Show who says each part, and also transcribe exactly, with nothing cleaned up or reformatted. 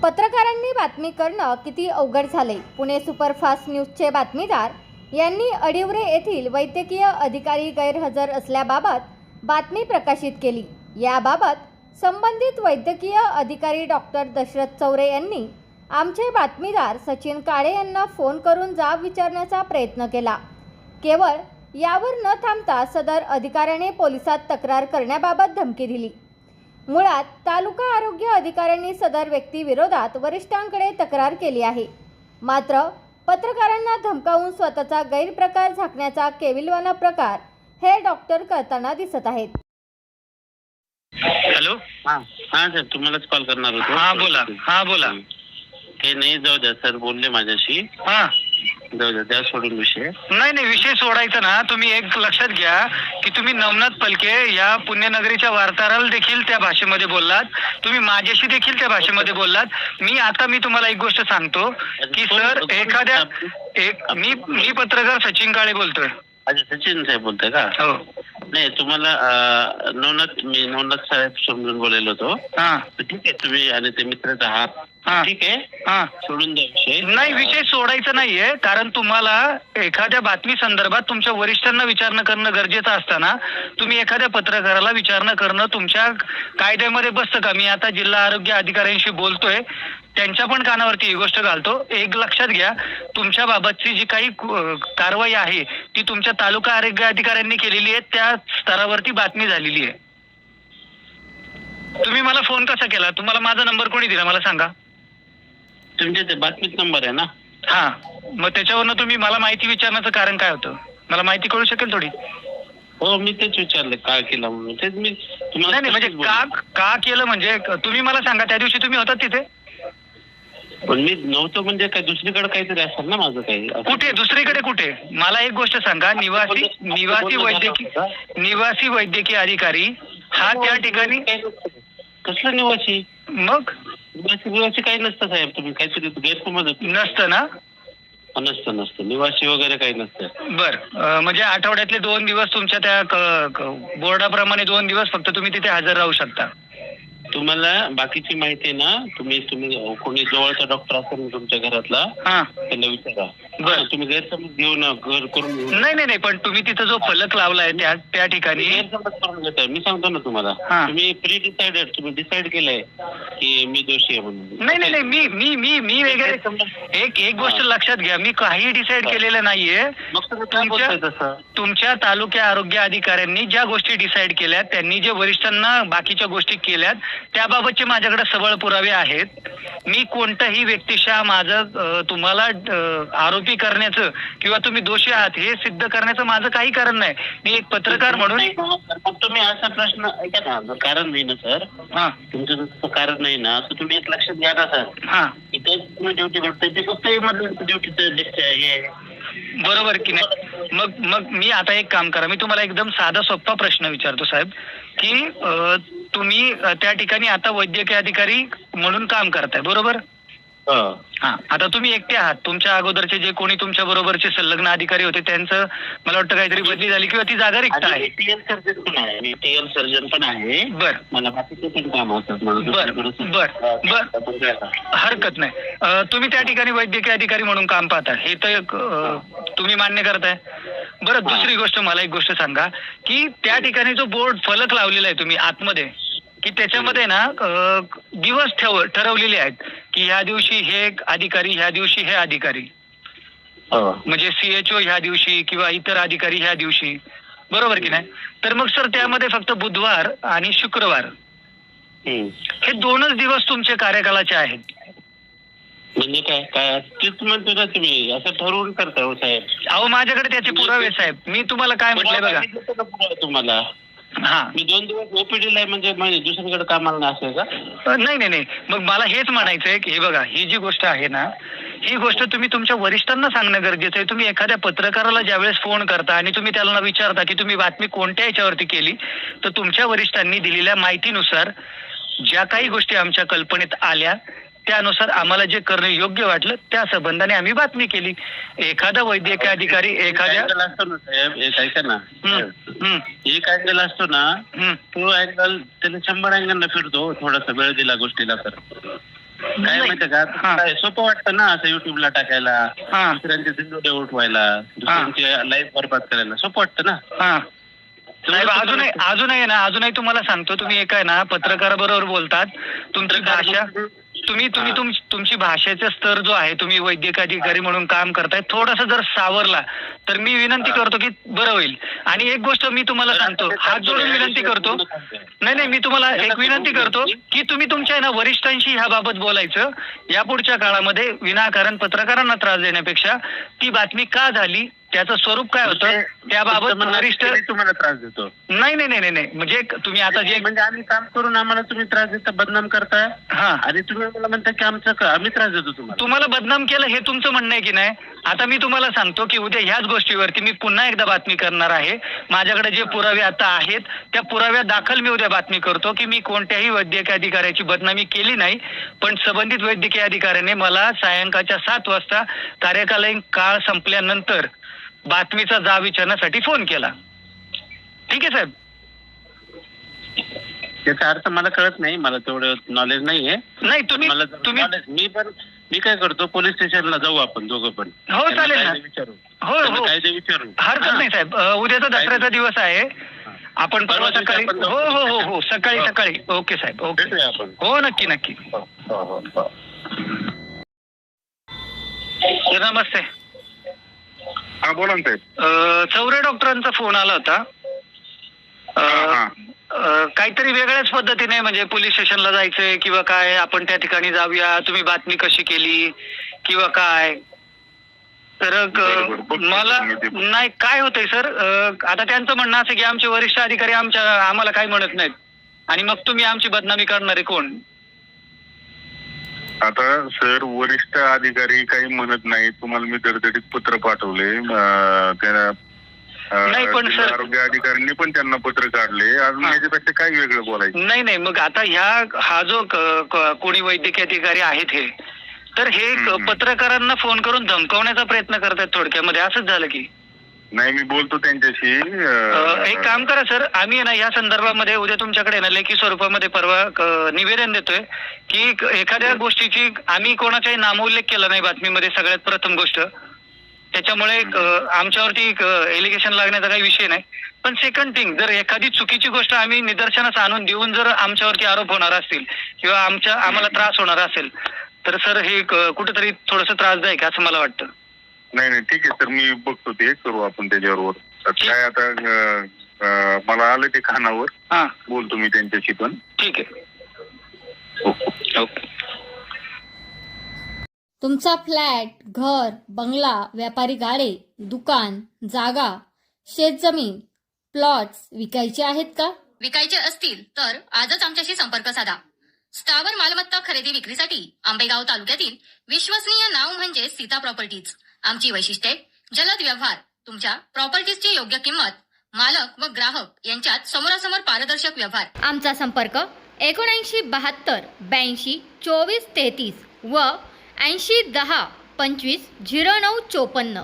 Speaker 1: पत्रकारांनी बातमी करणं किती अवघड झाले. पुणे सुपरफास्ट न्यूजचे बातमीदार यांनी अडिवरे येथील वैद्यकीय अधिकारी गैरहजर असल्याबाबत बातमी प्रकाशित केली. याबाबत संबंधित वैद्यकीय अधिकारी डॉक्टर दशरथ चौरे यांनी आमचे बातमीदार सचिन काळे यांना फोन करून जाब विचारण्याचा प्रयत्न केला. केवळ यावर न थांबता सदर अधिकाऱ्याने पोलिसात तक्रार करण्याबाबत धमकी दिली. मुळात तालुका आरोग्य अधिकाऱ्यांनी सदर व्यक्ती विरोधात वरिष्ठांकडे तक्रार केली आहे. मात्र पत्रकारांना धमकावून स्वतःचा गैरप्रकार झाकण्याचा केविलवाणा प्रकार हे डॉक्टर करताना दिसत आहेत.
Speaker 2: हॅलो.
Speaker 3: हा हा सर, तुम्हालाच कॉल करणार होतो.
Speaker 2: हा बोला. हा बोला.
Speaker 3: ते नाही, जाऊ द्या सर, बोलले माझ्याशी.
Speaker 2: हा
Speaker 3: जाऊ द्या, त्या सोडून विषय.
Speaker 2: नाही नाही विषय सोडायचा ना. तुम्ही एक लक्षात घ्या की तुम्ही नवनाथ पलके या पुण्यनगरीच्या वार्ताहराला देखील त्या भाषेमध्ये बोललात, तुम्ही माझ्याशी देखील त्या भाषेमध्ये बोललात. मी आता मी तुम्हाला एक गोष्ट सांगतो की सर, एखाद्या एक मी मी पत्रकार सचिन काळे बोलतोय.
Speaker 3: अच्छा, सचिन साहेब बोलताय का?
Speaker 2: हो.
Speaker 3: नाही, तुम्हाला नवनाथ मी नवनाथ साहेब समजून बोललेलो होतो.
Speaker 2: हा
Speaker 3: ठीक आहे, तुम्ही आणि ते मित्रच आहात.
Speaker 2: हा.
Speaker 3: ठीक आहे,
Speaker 2: हा
Speaker 3: सोडून द्या विषय.
Speaker 2: नाही, विषय सोडायचा नाहीये. कारण तुम्हाला एखाद्या बातमी संदर्भात तुमच्या वरिष्ठांना विचारणं करणं गरजेचं असताना तुम्ही एखाद्या पत्रकाराला विचारणं करणं तुमच्या कायद्यामध्ये बसतं का? मी आता जिल्हा आरोग्य अधिकाऱ्यांशी बोलतोय, त्यांच्या पण कानावरती ही गोष्ट घालतो. एक लक्षात घ्या, तुमच्या बाबतची जी काही कारवाई आहे ती तुमच्या तालुका आरोग्य अधिकाऱ्यांनी केलेली आहे, त्या स्तरावरती बातमी झालेली आहे. तुम्ही मला फोन कसा केला? तुम्हाला माझा नंबर कोणी दिला मला सांगा.
Speaker 3: तुमच्या ते बातमीत नंबर आहे ना?
Speaker 2: हा, मग त्याच्यावरनं तुम्ही मला माहिती विचारण्याचं कारण काय होतं? मला माहिती कळू शकेल थोडी?
Speaker 3: हो, मी तेच विचारलं का केलं म्हणून. तेच मी तुम्हाला.
Speaker 2: नाही म्हणजे का का केलं म्हणजे तुम्ही मला सांगा. त्या दिवशी तुम्ही होतात तिथे?
Speaker 3: पण मी नव्हतो म्हणजे काय, दुसरीकडे काहीतरी असेल ना माझं काही.
Speaker 2: कुठे दुसरीकडे कुठे? मला एक गोष्ट सांगा. निवासी निवासी वैद्यकीय निवासी वैद्यकीय अधिकारी हा त्या ठिकाणी.
Speaker 3: कसलं निवासी?
Speaker 2: मग
Speaker 3: निवासी निवासी काही नसतं साहेब, तुम्ही काहीतरी गैरसमज
Speaker 2: नसतं ना?
Speaker 3: नसतं नसतं निवासी वगैरे काही नसतं.
Speaker 2: बर, म्हणजे आठवड्यातले दोन दिवस तुमच्या त्या बोर्डाप्रमाणे दोन दिवस फक्त तुम्ही तिथे हजर राहू शकता.
Speaker 3: तुम्हाला बाकीची माहिती आहे ना, तुम्ही तुम्ही कोणी जवळचा डॉक्टर असेल ना तुमच्या घरातला,
Speaker 2: हा
Speaker 3: त्यांना विचारा.
Speaker 2: बर,
Speaker 3: तुम्ही गैरसमज घेऊ ना, घर करून घेऊ.
Speaker 2: नाही नाही नाही पण तुम्ही तिथं जो फलक लावलाय त्या त्या ठिकाणी
Speaker 3: गैरसमज करून घेताय. मी सांगतो ना तुम्हाला,
Speaker 2: हा.
Speaker 3: तुम्ही प्री डिसाइडेड, तुम्ही डिसाइड केलंय की मी दोषी आहे म्हणून.
Speaker 2: नाही नाही नाही मी मी मी मी वगैरे एक एक गोष्ट लक्षात घ्या, मी काही डिसाइड केलेलं नाहीये. तुमच्या तुमच्या तालुक्या आरोग्य अधिकाऱ्यांनी ज्या गोष्टी डिसाइड केल्या, त्यांनी जे वरिष्ठांना बाकीच्या गोष्टी केल्यात त्याबाबतचे माझ्याकडे सबळ पुरावे आहेत. मी कोणत्याही व्यक्तिशः माझं तुम्हाला आरोपी करण्याचं किंवा तुम्ही दोषी आहात हे सिद्ध करण्याचं माझं काही कारण नाही. मी एक पत्रकार म्हणून.
Speaker 3: तुम्ही असा प्रश्न ऐका ना, कारण नाही ना सर.
Speaker 2: हा,
Speaker 3: तुमचं जसं कारण नाही ना, तर तुम्ही एक लक्षात घ्या ना सर.
Speaker 2: हा,
Speaker 3: इथे तुम्ही ड्युटी करताय ते फक्त ड्युटीचं हे.
Speaker 2: बरोबर की नाही? मग मग मी आता एक काम करा, मी तुम्हाला एकदम साधा सोपा प्रश्न विचारतो साहेब, की तुम्ही त्या ठिकाणी आता वैद्यकीय अधिकारी म्हणून काम करताय, बरोबर? हा, आता तुम्ही एकटे आहात. तुमच्या अगोदरचे जे कोणी तुमच्या बरोबरचे संलग्न अधिकारी होते त्यांचं मला वाटतं काहीतरी बदली झाली किंवा ती जागा रिक्त आहे.
Speaker 3: टीएल सर्जन पण आहे, मी टीएल सर्जन पण आहे.
Speaker 2: बर,
Speaker 3: मला बाकीचे पण काम होतात.
Speaker 2: बर बर बर हरकत नाही. तुम्ही त्या ठिकाणी वैद्यकीय अधिकारी म्हणून काम पाहता हे तर तुम्ही मान्य करताय. बरं, दुसरी गोष्ट मला एक गोष्ट सांगा की त्या ठिकाणी जो बोर्ड फलक लावलेला आहे तुम्ही आतमध्ये, की त्याच्यामध्ये ना दिवस ठेव ठरवलेले आहेत की ह्या दिवशी हे अधिकारी, ह्या दिवशी हे अधिकारी, म्हणजे सीएचओ ह्या दिवशी किंवा इतर अधिकारी ह्या दिवशी, बरोबर की नाही? तर मग सर त्यामध्ये फक्त बुधवार आणि शुक्रवार हे दोनच दिवस तुमच्या कार्यकालाचे आहेत.
Speaker 3: म्हणजे काय काय तेच म्हणतो ना तुम्ही, असं ठरवून करता हो साहेब? अहो
Speaker 2: माझ्याकडे त्याचे पुरावे साहेब. मी तुम्हाला काय म्हटलंय बघा.
Speaker 3: तुम्हाला हा, मी दोन दिवस ओपीडीला आहे म्हणजे म्हणजे दुसरीकडे कामाला नाही असं का?
Speaker 2: नाही नाही नाही मग मला हेच म्हणायचंय की हे बघा, ही जी गोष्ट आहे ना, ही गोष्ट तुम्ही तुमच्या वरिष्ठांना सांगणं गरजेचं आहे. तुम्ही एखाद्या पत्रकाराला ज्यावेळेस फोन करता आणि तुम्ही त्याला विचारता की तुम्ही बातमी कोणत्या याच्यावरती केली, तर तुमच्या वरिष्ठांनी दिलेल्या माहितीनुसार ज्या काही गोष्टी आमच्या कल्पनेत आल्या त्यानुसार आम्हाला जे करणं योग्य वाटलं त्या संबंधाने आम्ही बातमी केली. एखादा वैद्यकीय अधिकारी एखाद्या
Speaker 3: असतो ना साहेब, एक ऐका ना, एक अँगल असतो ना, तो अँगल त्याला शंभर अँगलला फिरतो. थोडासा वेळ दिला गोष्टीला तर काय
Speaker 2: नाही.
Speaker 3: माहितीये का
Speaker 2: हा.
Speaker 3: काय सोपं वाटतं ना असं युट्यूबला टाकायला,
Speaker 2: हा.
Speaker 3: दुसऱ्यांचे व्हिडिओ उठवायला, दुसऱ्यांची लाईफ बरबाद करायला सोपं वाटतं ना.
Speaker 2: हा साहेब, अजूनही अजूनही ना अजूनही तुम्हाला सांगतो, तुम्ही एक आहे ना पत्रकाराबरोबर बोलतात, तुमची भाषा तुम्ही तुम्ही तुम तुमची भाषेचा स्तर जो आहे, तुम्ही वैद्यकीय अधिकारी म्हणून काम करताय, थोडासा जर सावरला तर मी विनंती करतो की बरं होईल. आणि एक गोष्ट मी तुम्हाला सांगतो, हात जोडून विनंती करतो, नाही नाही मी तुम्हाला एक विनंती करतो की तुम्ही तुमच्या ना वरिष्ठांशी ह्याबाबत बोलायचं. यापुढच्या काळामध्ये विनाकारण पत्रकारांना त्रास देण्यापेक्षा ती बातमी का झाली, त्याचं स्वरूप काय होतं त्याबाबत वरिष्ठ
Speaker 3: तुम्हाला त्रास देतो.
Speaker 2: नाही नाही नाही नाही म्हणजे तुम्ही आता जे
Speaker 3: म्हणजे आम्ही काम करून आम्हाला तुम्ही त्रास देता, बदनाम करताय
Speaker 2: हा
Speaker 3: आणि तुम्ही मला म्हणता की आमचं का- आम्ही त्रास देतो तुम्हाला.
Speaker 2: तुम्हाला बदनाम केलं हे तुमचं म्हणणं आहे की नाही. आता मी तुम्हाला सांगतो की उद्या ह्याच गोष्टीवरती मी पुन्हा एकदा बातमी करणार आहे. माझ्याकडे जे पुरावे आता आहेत त्या पुराव्या दाखल मी उद्या बातमी करतो की मी कोणत्याही वैद्यकीय अधिकाऱ्याची बदनामी केली नाही, पण संबंधित वैद्यकीय अधिकाऱ्याने मला सायंकाळच्या सात वाजता कार्यकालीन काळ संपल्यानंतर बातमीचा जाब विचारण्यासाठी फोन केला. ठीक आहे साहेब.
Speaker 3: त्याचा अर्थ मला कळत नाही, मला तेवढं नॉलेज नाहीये.
Speaker 2: नाही तुम्ही
Speaker 3: मला
Speaker 2: तुम्ही
Speaker 3: knowledge- मी पण मी काय करतो, पोलीस स्टेशनला जाऊ आपण दोघं पण.
Speaker 2: हो,
Speaker 3: त्यांना
Speaker 2: चालेल ना.
Speaker 3: कायदे विचारू.
Speaker 2: हो
Speaker 3: त्यांना
Speaker 2: हो
Speaker 3: कायदे विचारू.
Speaker 2: हरकत नाही साहेब. अ, उद्याचा दसऱ्याचा दिवस आहे, आपण परवा
Speaker 3: परवा दिवशी
Speaker 2: सकाळी
Speaker 3: आपण जाऊ.
Speaker 2: हो हो हो हो सकाळी
Speaker 3: हो.
Speaker 2: सकाळी ओके साहेब. ओके
Speaker 3: भेटूया आपण.
Speaker 2: हो नक्की नक्की.
Speaker 3: हो, हो, हो, हो.
Speaker 2: सर नमस्ते.
Speaker 4: हा बोला ना साहेब.
Speaker 2: अ, चौरे डॉक्टरांचा फोन आला होता. अ,
Speaker 4: हा, हा.
Speaker 2: अ, काहीतरी वेगळ्याच पद्धतीने म्हणजे पोलीस स्टेशनला जायचंय किंवा काय, आपण त्या ठिकाणी जाऊया, तुम्ही बातमी कशी केली किंवा काय. तर अ,
Speaker 4: बरोबर. बघतो
Speaker 2: मला
Speaker 4: मी ते.
Speaker 2: नाही काय होतंय सर, अ, आता त्यांचं म्हणणं असं की आमचे वरिष्ठ अधिकारी आमच्या आम्हाला काही म्हणत नाहीत आणि मग तुम्ही आमची बदनामी करणारे कोण.
Speaker 4: आता सर, वरिष्ठ अधिकारी काही म्हणत नाही. तुम्हाला मी दरदडीत पत्र पाठवले. अं, त्या अं,
Speaker 2: नाही, पण
Speaker 4: जिल्हा
Speaker 2: सर-
Speaker 4: आरोग्य अधिकाऱ्यांनी पण त्यांना पत्र काढले. अजून
Speaker 2: हा.
Speaker 4: याच्यापेक्षा काय वेगळं बोलायचं.
Speaker 2: नाही नाही मग आता ह्या हा जो क- क- कोणी वैद्यकीय अधिकारी आहेत हे, तर हे क-
Speaker 4: हम्म.
Speaker 2: पत्रकारांना फोन करून धमकावण्याचा प्रयत्न करतात थोडक्यामध्ये, असंच झालं की.
Speaker 4: नाही, मी बोलतो त्यांच्याशी.
Speaker 2: अ,
Speaker 4: अं,
Speaker 2: एक काम करा सर, आम्ही ना या संदर्भामध्ये उद्या तुमच्याकडे ना लेखी स्वरूपामध्ये परवा क- निवेदन देतोय की क- एखाद्या गोष्टीची आम्ही कोणाचाही नामोल्लेख केला नाही बातमीमध्ये, सगळ्यात प्रथम गोष्ट. त्याच्यामुळे क- आमच्यावरती एलिगेशन लागण्याचा काही विषय नाही. पण सेकंड थिंग, जर एखादी चुकीची गोष्ट आम्ही निदर्शनास आणून देऊन जर आमच्यावरती आरोप होणार असतील किंवा आमच्या आम्हाला त्रास होणार असेल तर सर हे क- कुठेतरी थोडंसं त्रासदायक आहे असं मला वाटतं.
Speaker 4: नाही नाही ठीक आहे सर, मी बघतो ते करू आपण त्याच्यावर. काय आता अं, अं, मला आलं ते कानावर,
Speaker 2: हा
Speaker 4: बोलतो मी त्यांच्याशी पण.
Speaker 2: ठीक आहे.
Speaker 4: ओके.
Speaker 2: ओके.
Speaker 1: तुमचा फ्लॅट, घर, बंगला, व्यापारी गाडे, दुकान, जागा, शेतजमीन, प्लॉट्स विकायचे आहेत का?
Speaker 5: विकायचे असतील तर आजच आमच्याशी संपर्क साधा. स्थावर मालमत्ता खरेदी विक्रीसाठी आंबेगाव तालुक्यातील विश्वसनीय नाव म्हणजे सीता प्रॉपर्टीज. आमची वैशिष्ट्ये: जलद व्यवहार, तुमच्या प्रॉपर्टीजची योग्य किंमत, मालक व ग्राहक यांच्यात समोरासमोर पारदर्शक व्यवहार.
Speaker 1: आमचा संपर्क एकोणऐंशी बहात्तर ब्याऐंशी चोवीस तेहतीस व ऐंशी दहा पंचवीस झिरो नऊ चोपन्न.